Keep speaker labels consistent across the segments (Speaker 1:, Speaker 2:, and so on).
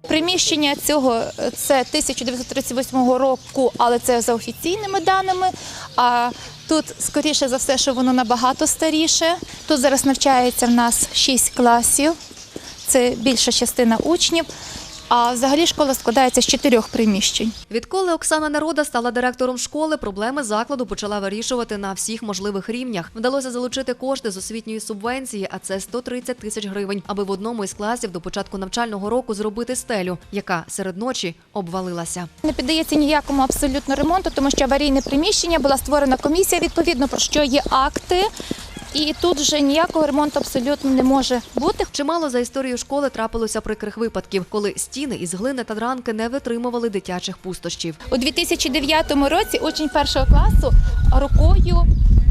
Speaker 1: Приміщення цього – це 1938 року, але це за офіційними даними. А тут, скоріше за все, що воно набагато старіше. Тут зараз навчається в нас 6 класів, це більша частина учнів. А взагалі школа складається з 4 приміщень.
Speaker 2: Відколи Оксана Народа стала директором школи, проблеми закладу почала вирішувати на всіх можливих рівнях. Вдалося залучити кошти з освітньої субвенції, а це 130 тисяч гривень, аби в одному із класів до початку навчального року зробити стелю, яка серед ночі обвалилася.
Speaker 1: Не піддається ніякому абсолютно ремонту, тому що аварійне приміщення, була створена комісія, відповідно, про що є акти. І тут вже ніякого ремонту абсолютно не може бути.
Speaker 2: Чимало за історію школи трапилося прикрих випадків, коли стіни із глини та дранки не витримували дитячих пустощів.
Speaker 1: У 2009 році учень 1 класу рукою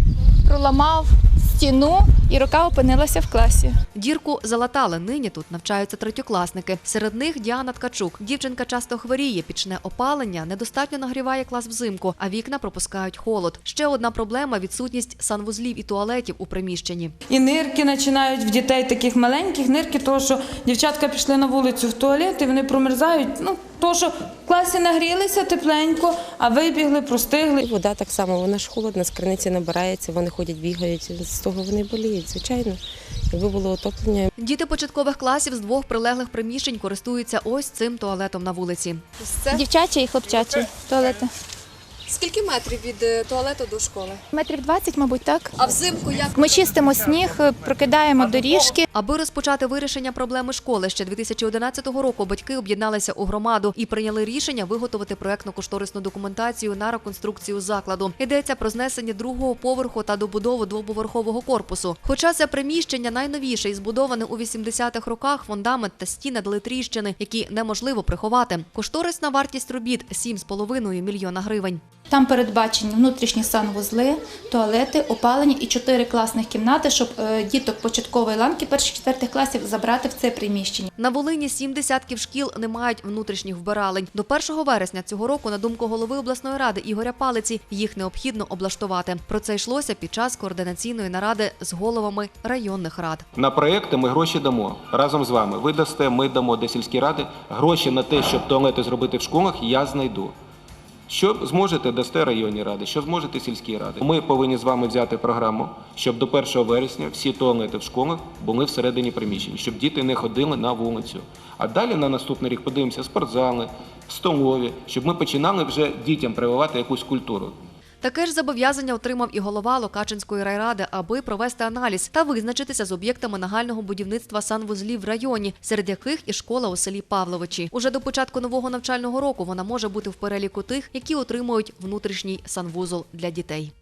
Speaker 1: проламав стіну і рука опинилася в класі.
Speaker 2: Дірку залатали. Нині тут навчаються третьокласники. Серед них Діана Ткачук. Дівчинка часто хворіє, пічне опалення, недостатньо нагріває клас взимку, а вікна пропускають холод. Ще одна проблема – відсутність санвузлів і туалетів у приміщенні.
Speaker 3: І нирки починають в дітей таких маленьких, нирки, тому що дівчатка пішли на вулицю в туалет і вони промерзають. Тому що в класі нагрілися тепленько, а вибігли, простигли.
Speaker 4: Вода так само, вона ж холодна, з криниці набирається, вони ходять, бігають, з того вони боліють, звичайно. Якби було отоплення.
Speaker 2: Діти початкових класів з 2 прилеглих приміщень користуються ось цим туалетом на вулиці.
Speaker 1: Дівчачі і хлопчачі туалети.
Speaker 5: Скільки метрів від туалету до школи?
Speaker 1: Метрів 20, мабуть, так.
Speaker 5: А взимку як?
Speaker 1: Ми чистимо сніг, прокидаємо доріжки.
Speaker 2: Аби розпочати вирішення проблеми школи, ще 2011 року батьки об'єдналися у громаду і прийняли рішення виготовити проєктно-кошторисну документацію на реконструкцію закладу. Йдеться про знесення 2-го поверху та добудову 2-поверхового корпусу. Хоча це приміщення найновіше і збудоване у 80-х роках, фундамент та стіни дали тріщини, які неможливо приховати. Кошторисна вартість робіт – 7,5 мільйона гривень.
Speaker 1: Там передбачені внутрішні санвузли, туалети, опалення і 4 класних кімнати, щоб діток початкової ланки 1-4 класів забрати в це приміщення.
Speaker 2: На Волині 7 десятків шкіл не мають внутрішніх вбиралень. До 1 вересня цього року, на думку голови обласної ради Ігоря Палиці, їх необхідно облаштувати. Про це йшлося під час координаційної наради з головами районних рад.
Speaker 6: На проєкти ми гроші дамо разом з вами. Ви дасте, ми дамо до сільські ради. Гроші на те, щоб туалети зробити в школах, я знайду. Що зможете, дасте районні ради, що зможете сільські ради. Ми повинні з вами взяти програму, щоб до 1 вересня всі туалети в школах були всередині приміщень, щоб діти не ходили на вулицю. А далі на наступний рік подивимося спортзали, столові, щоб ми починали вже дітям прививати якусь культуру.
Speaker 2: Таке ж зобов'язання отримав і голова Локачинської райради, аби провести аналіз та визначитися з об'єктами нагального будівництва санвузлів в районі, серед яких і школа у селі Павловичі. Уже до початку нового навчального року вона може бути в переліку тих, які отримують внутрішній санвузол для дітей.